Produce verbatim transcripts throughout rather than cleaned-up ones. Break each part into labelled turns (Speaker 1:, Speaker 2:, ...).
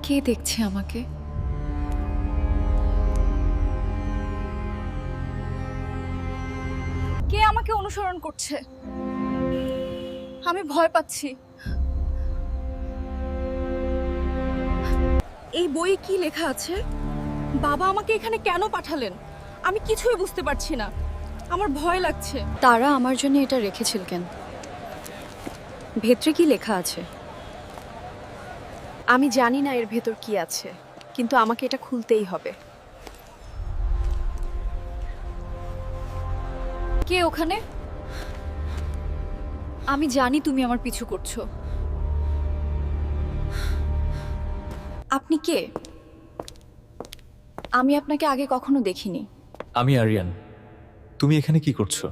Speaker 1: কে দেখছে আমাকে? কে আমাকে অনুসরণ করছে? আমি ভয় পাচ্ছি। এই বইয়ে কি লেখা আছে? বাবা আমাকে এখানে কেন পাঠালেন? আমি কিছুই বুঝতে পারছি না। আমার ভয় লাগছে।
Speaker 2: তারা আমার জন্য এটা রেখেছিল কেন? ভেতরে কি লেখা আছে?
Speaker 1: আমি জানি না এর ভেতর কি আছে, কিন্তু আমাকে এটা খুলতেই হবে। কে ওখানে? আমি জানি তুমি আমার পিছু করছো। আপনি কে? আমি আপনাকে আগে কখনো দেখিনি।
Speaker 3: আমি আরিয়ান। তুমি এখানে কি করছো?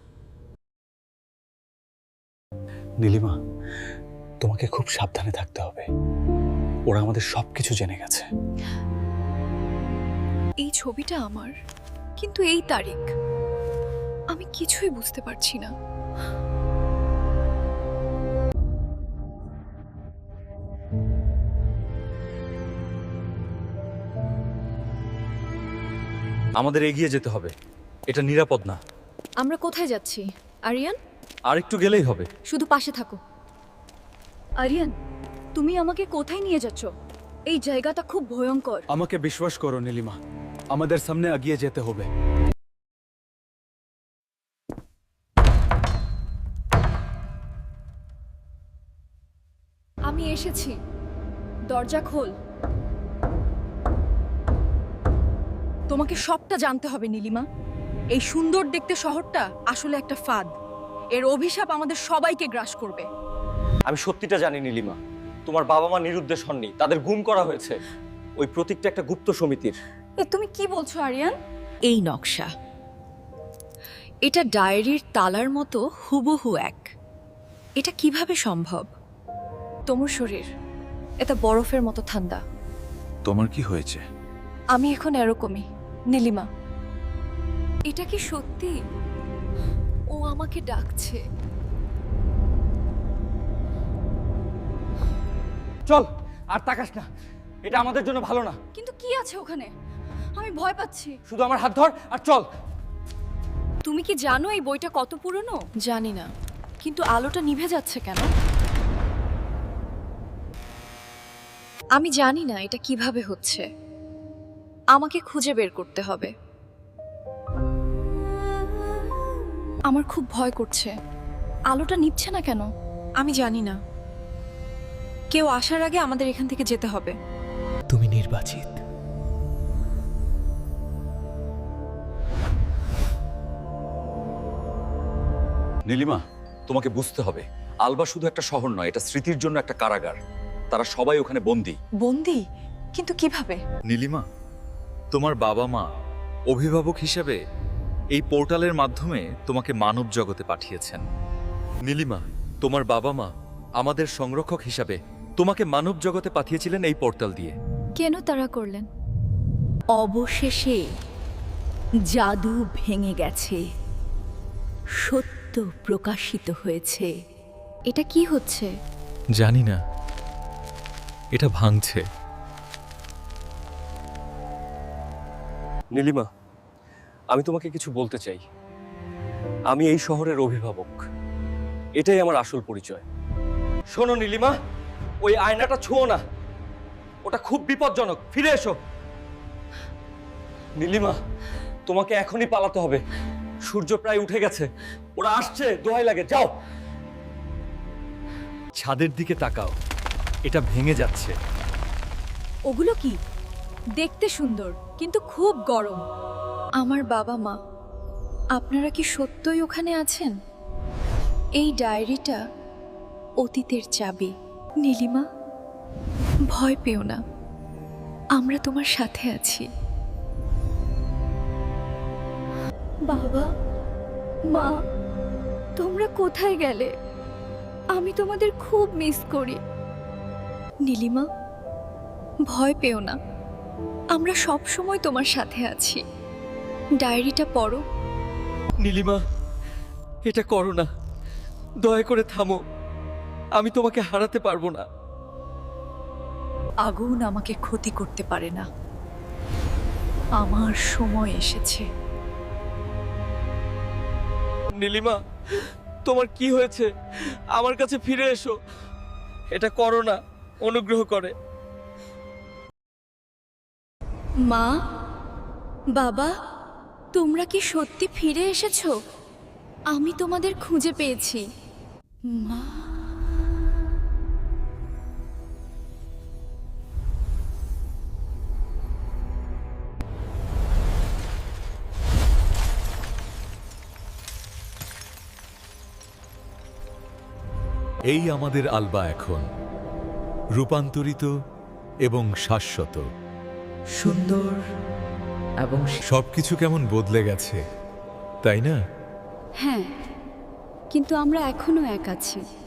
Speaker 4: নীলিমা, তোমাকে খুব সাবধানে থাকতে হবে। ওরা আমাদের সবকিছু জেনে গেছে।
Speaker 1: এই ছবিটা আমার, কিন্তু এই তারিখ আমি কিছুই বুঝতে পারছি না।
Speaker 3: আমাদের এগিয়ে যেতে হবে, এটা নিরাপদ না।
Speaker 1: আমরা কোথায় যাচ্ছি আরিয়ান?
Speaker 3: আর একটু গেলেই হবে।
Speaker 1: শুধু পাশে থাকো। আরিয়ান, তুমি আমাকে কোথায় নিয়ে যাচ্ছ? এই জায়গাটা খুব ভয়ঙ্কর।
Speaker 4: আমাকে বিশ্বাস করো নীলিমা, আমাদের সামনে এগিয়ে যেতে হবে।
Speaker 1: আমি এসেছি, দরজা খোল। তোমাকে সবটা জানতে হবে নীলিমা। এই সুন্দর দেখতে শহরটা আসলে একটা ফাঁদ। এর অভিশাপ আমাদের সবাইকে গ্রাস করবে।
Speaker 5: আমি সত্যিটা জানি নীলিমা, তোমার বাবা মা নিরুদ্দেশ হননি, তাদের গুম করা হয়েছে। ওই প্রতীকটা একটা গুপ্ত সমিতির।
Speaker 1: এ তুমি কি বলছো আরিয়ান?
Speaker 2: এই নকশা, এটা ডায়েরির তালার মতো হুবহু এক। এটা কিভাবে সম্ভব?
Speaker 1: তোমার শরীর এটা বরফের মতো ঠান্ডা।
Speaker 3: তোমার কি হয়েছে?
Speaker 1: আমি এখন এরকমই নীলিমা। এটা কি সত্যি? ও আমাকে ডাকছে।
Speaker 5: চল, আর তাকাস না, এটা আমাদের জন্য ভালো না।
Speaker 1: কিন্তু কি আছে ওখানে? আমি ভয় পাচ্ছি।
Speaker 5: শুধু আমার হাত ধর আর চল।
Speaker 1: তুমি কি জানো এই বইটা কত পুরনো? জানি না, কিন্তু আলোটা নিভে যাচ্ছে কেন? আমি জানি না এটা কিভাবে হচ্ছে। আমাকে খুঁজে বের করতে হবে। আমার খুব ভয় করছে। আলোটা নিভছে না কেন?
Speaker 2: আমি জানি না। কেউ আসার আগে আমাদের এখান থেকে যেতে হবে।
Speaker 4: তুমি নির্বাচিত।
Speaker 3: নীলিমা, তোমাকে বুঝতে হবে, আলবা শুধু একটা শহর নয়, এটা স্মৃতির জন্য একটা কারাগার। তারা সবাই ওখানে বন্দী।
Speaker 1: বন্দি? কিন্তু কিভাবে?
Speaker 3: নীলিমা, তোমার বাবা মা অভিভাবক হিসেবে এই পোর্টালের মাধ্যমে তোমাকে মানব জগতে পাঠিয়েছেন। নীলিমা, তোমার বাবা মা আমাদের সংরক্ষক হিসাবে তোমাকে মানব জগতে পাঠিয়েছিলেন এই পোর্টাল দিয়ে।
Speaker 1: কেন তারা করলেন?
Speaker 2: অবশেষে জাদু ভেঙে গেছে, সত্য প্রকাশিত হয়েছে।
Speaker 1: এটা কি হচ্ছে?
Speaker 3: জানি না, এটা ভাঙছে।
Speaker 5: নীলিমা, আমি তোমাকে কিছু বলতে চাই। আমি এই শহরের অভিভাবক, এটাই আমার আসল পরিচয়। শোনো নীলিমা, ওই আয়নাটা ছুঁয়ো না, ওটা খুব বিপজ্জনক। ফিরে এসো নীলিমা, তোমাকে এখনই পালাতে হবে। সূর্য প্রায় উঠে গেছে, ওরা আসছে, দোহাই লাগে, যাও।
Speaker 3: ছাদের দিকে তাকাও, এটা ভেঙে যাচ্ছে।
Speaker 1: ওগুলো কি? দেখতে সুন্দর কিন্তু খুব গরম। আমার বাবা মা, আপনারা কি সত্যই ওখানে আছেন? এই ডায়েরিটা অতীতের চাবি। নীলিমা, ভয় পেও না, আমরা তোমার সাথে আছি। বাবা মা, তোমরা কোথায় গেলে? আমি তোমাদের খুব মিস করি। নীলিমা, ভয় পেও না, আমরা সব সময় তোমার সাথে আছি। ডায়েরিটা পড়ো।
Speaker 5: নীলিমা, এটা করো না, দয়া করে থামো। আমি তোমাকে হারাতে পারবো না।
Speaker 2: আগুন আমাকে ক্ষতি করতে পারে না। আমার সময় এসেছে।
Speaker 5: নীলিমা, তোমার কি হয়েছে? আমার কাছে ফিরে এসো। এটা করো না, অনুগ্রহ করে।
Speaker 1: মা, বাবা, তোমরা কি সত্যি ফিরে এসেছো? আমি তোমাদের খুঁজে পেয়েছি। মা,
Speaker 6: এই আমাদের আলবা এখন রূপান্তরিত এবং শাশ্বত।
Speaker 7: সুন্দর এবং
Speaker 6: সবকিছু কেমন বদলে গেছে, তাই না?
Speaker 8: হ্যাঁ, কিন্তু আমরা এখনো এক আছি।